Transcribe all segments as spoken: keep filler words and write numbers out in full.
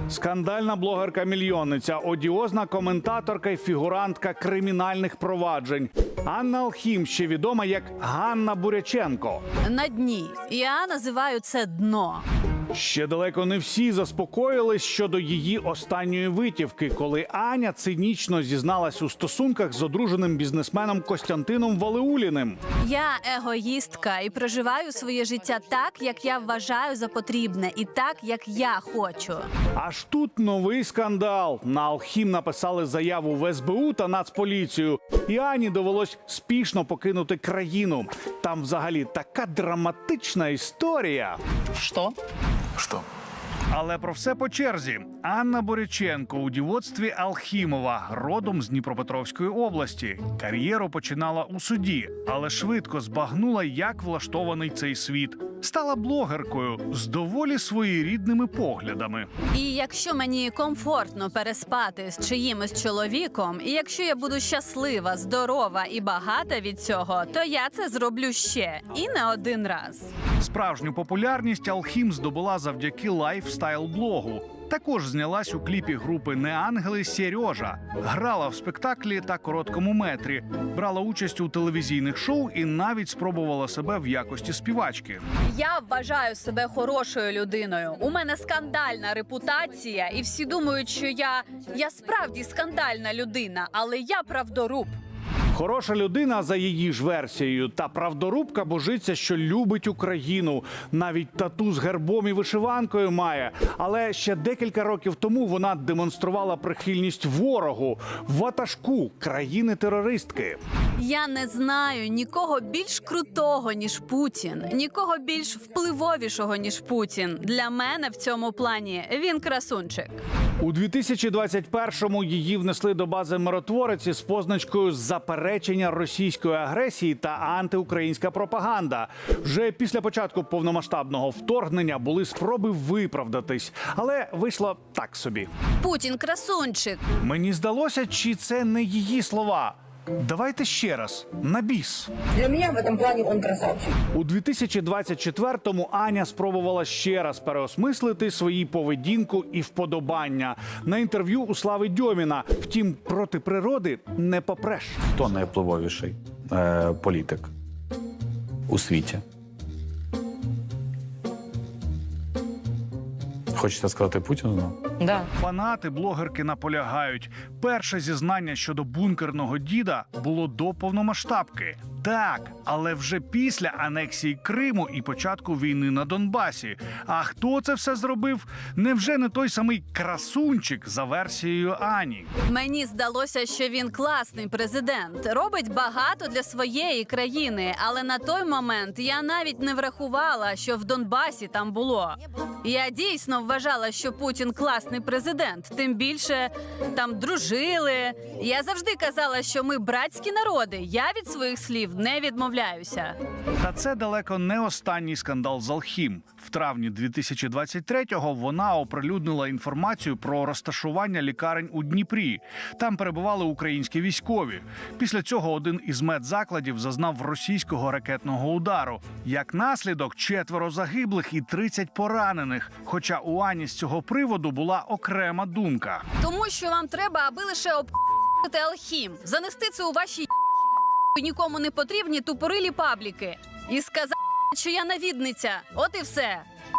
Скандальна блогерка-мільйонниця, одіозна коментаторка і фігурантка кримінальних проваджень. Анна Алхім, ще відома як Ганна Буряченко. На дні. Я називаю це дно. Ще далеко не всі заспокоїлись щодо її останньої витівки, коли Аня цинічно зізналась у стосунках з одруженим бізнесменом Костянтином Валеуліним. Я егоїстка і проживаю своє життя так, як я вважаю за потрібне, і так, як я хочу. Аж тут новий скандал. На Алхім написали заяву в ес бе у та Нацполіцію. І Ані довелось спішно покинути країну. Там взагалі така драматична історія. Что? Что? Але про все по черзі. Анна Буряченко у дівоцтві Алхімова, родом з Дніпропетровської області. Кар'єру починала у суді, але швидко збагнула, як влаштований цей світ. Стала блогеркою з доволі своєрідними поглядами. І якщо мені комфортно переспати з чиїмось чоловіком, і якщо я буду щаслива, здорова і багата від цього, то я це зроблю ще. І не один раз. Справжню популярність Алхім здобула завдяки лайфстайл-блогу. Також знялась у кліпі групи «Неангели» Сережа. Грала в спектаклі та короткому метрі. Брала участь у телевізійних шоу і навіть спробувала себе в якості співачки. Я вважаю себе хорошою людиною. У мене скандальна репутація, і всі думають, що я, я справді скандальна людина, але я правдоруб. Хороша людина за її ж версією. Та правдорубка божиться, що любить Україну. Навіть тату з гербом і вишиванкою має. Але ще декілька років тому вона демонструвала прихильність ворогу, ватажку країни-терористки. Я не знаю нікого більш крутого, ніж Путін, нікого більш впливовішого, ніж Путін. Для мене в цьому плані він красунчик. У дві тисячі двадцять першому її внесли до бази миротвореці з позначкою «Заперечення російської агресії та антиукраїнська пропаганда». Вже після початку повномасштабного вторгнення були спроби виправдатись, але вийшло так собі. Путін красунчик. Мені здалося, чи це не її слова. Давайте ще раз, на біс. Для меня в этом плане он красавчик. У дві тисячі двадцять четвертому Аня спробувала ще раз переосмислити свої поведінку і вподобання. На інтерв'ю у Слави Дьоміна. Втім, проти природи не попреш. Хто найвпливовіший е, політик у світі? Хочете сказати Путін знову? Да. Фанати блогерки наполягають. Перше зізнання щодо бункерного діда було до повномасштабки. Так, але вже після анексії Криму і початку війни на Донбасі. А хто це все зробив? Невже не той самий красунчик за версією Ані? Мені здалося, що він класний президент, робить багато для своєї країни, але на той момент я навіть не врахувала, що в Донбасі там було. Я дійсно вважала, що Путін класний президент, тим більше там дружили. Я завжди казала, що ми братські народи, я від своїх слів не відмовляюся. Та це далеко не останній скандал з Алхім. В травні дві тисячі двадцять третього вона оприлюднила інформацію про розташування лікарень у Дніпрі. Там перебували українські військові. Після цього один із медзакладів зазнав російського ракетного удару. Як наслідок, четверо загиблих і тридцять поранених. Хоча у Ані з цього приводу була окрема думка. Тому що вам треба, аби лише об***ти Алхім, занести це у ваші нікому не потрібні тупорилі пабліки і сказати, що я навідниця. От і все.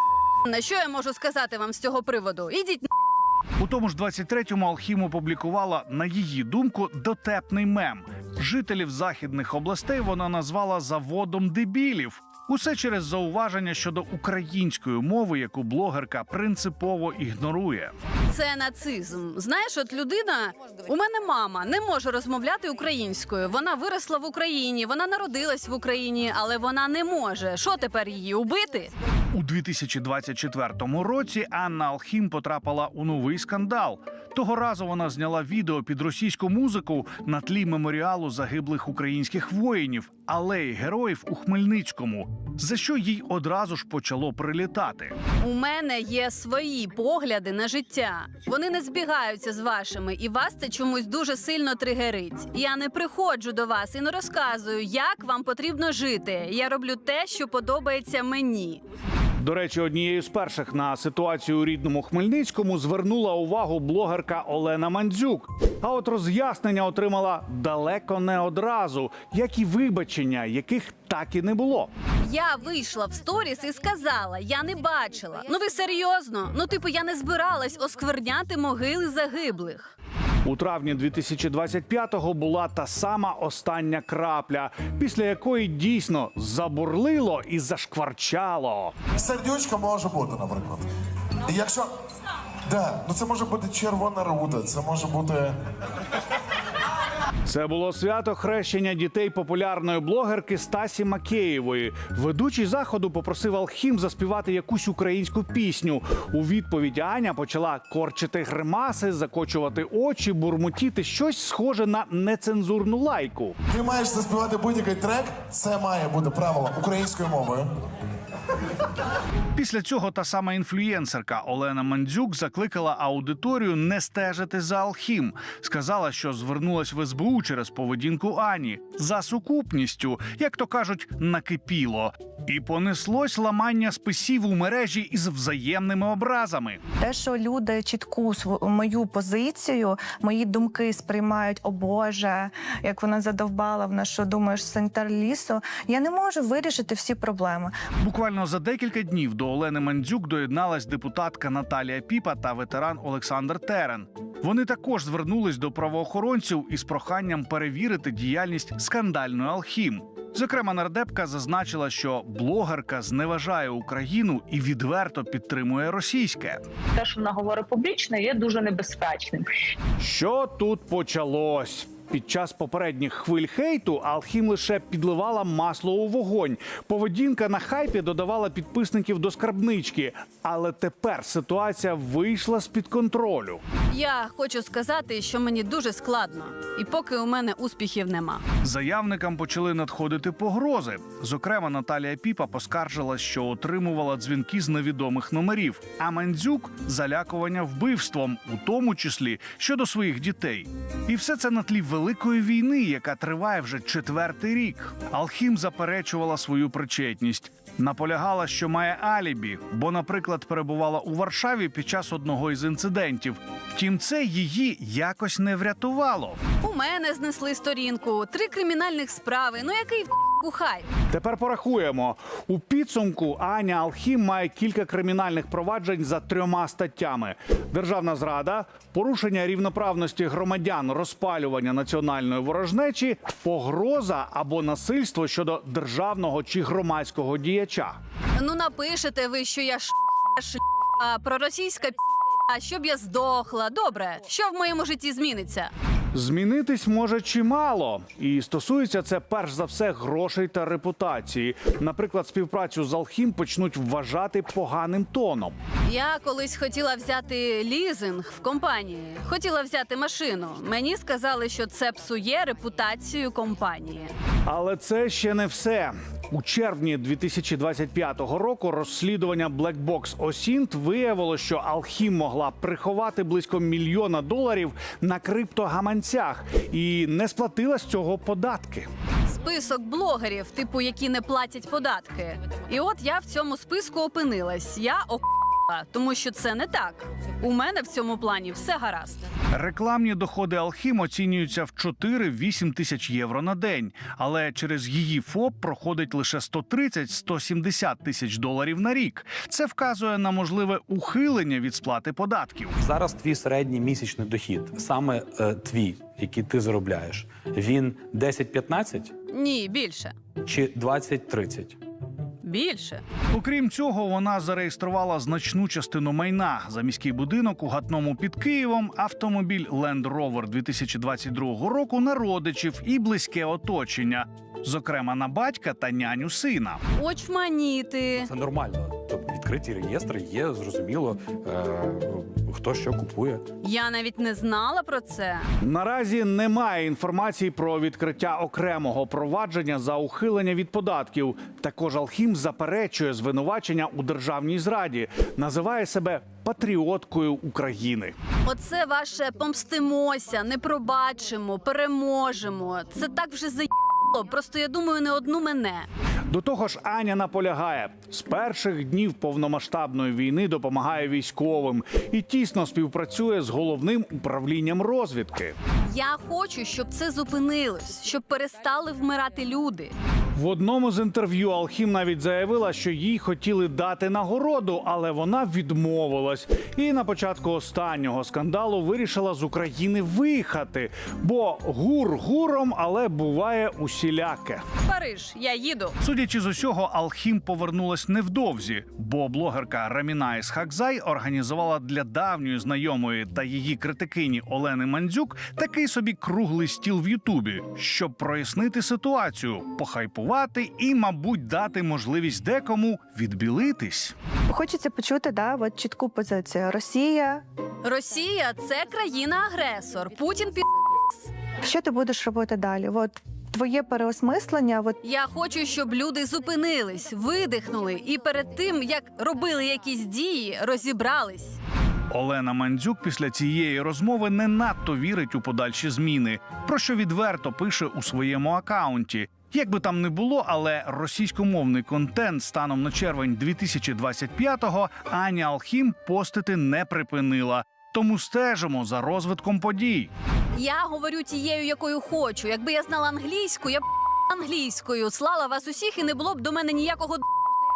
На що я можу сказати вам з цього приводу? Ідіть на. У тому ж двадцять третьому Алхім опублікувала, на її думку, дотепний мем. Жителів західних областей вона назвала «заводом дебілів». Усе через зауваження щодо української мови, яку блогерка принципово ігнорує. Це нацизм. Знаєш, от людина, у мене мама не може розмовляти українською. Вона виросла в Україні, вона народилась в Україні, але вона не може. Що тепер її убити? У дві тисячі двадцять четвертому році Анна Алхім потрапила у новий скандал. Того разу вона зняла відео під російську музику на тлі меморіалу загиблих українських воїнів, алеї героїв у Хмельницькому, за що їй одразу ж почало прилітати. У мене є свої погляди на життя. Вони не збігаються з вашими, і вас це чомусь дуже сильно тригерить. Я не приходжу до вас і не розказую, як вам потрібно жити. Я роблю те, що подобається мені. До речі, однією з перших на ситуацію у рідному Хмельницькому звернула увагу блогерка Олена Мандзюк. А от роз'яснення отримала далеко не одразу, як і вибачення, яких так і не було. Я вийшла в сторіс і сказала, я не бачила. Ну ви серйозно? Ну типу я не збиралась оскверняти могили загиблих. У травні дві тисячі двадцять п'ятого була та сама остання крапля, після якої дійсно забурлило і зашкварчало. Сердючка може бути, наприклад. І якщо. Да, ну це може бути червона руда, це може бути. Це було свято хрещення дітей популярної блогерки Стасі Макеєвої. Ведучий заходу попросив Алхім заспівати якусь українську пісню. У відповідь Аня почала корчити гримаси, закочувати очі, бурмотіти щось схоже на нецензурну лайку. Ти маєш заспівати будь-який трек, це має бути правило українською мовою. Після цього та сама інфлюєнсерка Олена Мандзюк закликала аудиторію не стежити за Алхім. Сказала, що звернулась в ес бе у через поведінку Ані. За сукупністю, як то кажуть, накипіло. І понеслось ламання списів у мережі із взаємними образами. Те, що люди чітку св- мою позицію, мої думки сприймають, о Боже, як вона задовбала, вона що, думаєш, санітар лісу? Я не можу вирішити всі проблеми. Буквально за декілька днів до Олени Мандзюк доєдналась депутатка Наталія Піпа та ветеран Олександр Терен. Вони також звернулись до правоохоронців із проханням перевірити діяльність скандальної Алхім. Зокрема, нардепка зазначила, що блогерка зневажає Україну і відверто підтримує російське. Те, що вона говорить публічно, є дуже небезпечним. Що тут почалось? Під час попередніх хвиль хейту Алхім лише підливала масло у вогонь. Поведінка на хайпі додавала підписників до скарбнички. Але тепер ситуація вийшла з-під контролю. Я хочу сказати, що мені дуже складно. І поки у мене успіхів нема. Заявникам почали надходити погрози. Зокрема, Наталія Піпа поскаржилась, що отримувала дзвінки з невідомих номерів. А Мандзюк – залякування вбивством, у тому числі щодо своїх дітей. І все це на тлі великої війни, яка триває вже четвертий рік. Алхім заперечувала свою причетність. Наполягала, що має алібі, бо, наприклад, перебувала у Варшаві під час одного із інцидентів. Втім, це її якось не врятувало. У мене знесли сторінку, три кримінальних справи. Ну який в***ку хайп? Тепер порахуємо. У підсумку Аня Алхім має кілька кримінальних проваджень за трьома статтями: державна зрада, порушення рівноправності громадян, розпалювання національної ворожнечі, погроза або насильство щодо державного чи громадського діяча. Ну напишете ви, що я ш**, ш**, а проросійська п***, а щоб я здохла. Добре, що в моєму житті зміниться? Змінитись може чимало. І стосується це перш за все грошей та репутації. Наприклад, співпрацю з Алхім почнуть вважати поганим тоном. Я колись хотіла взяти лізинг в компанії. Хотіла взяти машину. Мені сказали, що це псує репутацію компанії. Але це ще не все. У червні дві тисячі двадцять п'ятого року розслідування Black Box Осінт виявило, що Алхім могла приховати близько мільйона доларів на криптогаманцях і не сплатила з цього податки. Список блогерів, типу, які не платять податки. І от я в цьому списку опинилась. Я о***ла, тому що це не так. У мене в цьому плані все гаразд. Рекламні доходи Алхім оцінюються в чотири-вісім тисяч євро на день. Але через її ФОП проходить лише сто тридцять - сто сімдесят тисяч доларів на рік. Це вказує на можливе ухилення від сплати податків. Зараз твій середній місячний дохід, саме е, твій, який ти заробляєш, він десять-п'ятнадцять Ні, більше. чи двадцять-тридцять? Більше. Окрім цього, вона зареєструвала значну частину майна: за міський будинок у Гатному під Києвом, автомобіль Land Rover дві тисячі двадцять другого року на родичів і близьке оточення, зокрема на батька та няню сина. Очманіти. Це нормально. Тобто відкриті реєстри є, зрозуміло, е, хто що купує. Я навіть не знала про це. Наразі немає інформації про відкриття окремого провадження за ухилення від податків. Також Алхім заперечує звинувачення у державній зраді, називає себе патріоткою України. Оце ваше помстимося, не пробачимо, переможемо. Це так вже заєбало, просто я думаю, не одну мене. До того ж, Аня наполягає, з перших днів повномасштабної війни допомагає військовим і тісно співпрацює з головним управлінням розвідки. Я хочу, щоб це зупинилось, щоб перестали вмирати люди. В одному з інтерв'ю Алхім навіть заявила, що їй хотіли дати нагороду, але вона відмовилась. І на початку останнього скандалу вирішила з України виїхати. Бо гур гуром, але буває усіляке. Париж, я їду. Судячи з усього, Алхім повернулась невдовзі, бо блогерка Раміна Ісхакзай організувала для давньої знайомої та її критикині Олени Мандзюк такий собі круглий стіл в Ютубі, щоб прояснити ситуацію, похайпувати і, мабуть, дати можливість декому відбілитись. Хочеться почути, да, от чітку позицію. Росія. Росія – це країна-агресор. Путін пі... Що ти будеш робити далі? От твоє переосмислення. От Я хочу, щоб люди зупинились, видихнули і перед тим, як робили якісь дії, розібрались. Олена Мандзюк після цієї розмови не надто вірить у подальші зміни, про що відверто пише у своєму акаунті. Як би там не було, але російськомовний контент станом на червень дві тисячі двадцять п'ятого Аня Алхім постити не припинила. Тому стежимо за розвитком подій. Я говорю тією, якою хочу. Якби я знала англійську, я б англійською слала вас усіх і не було б до мене ніякого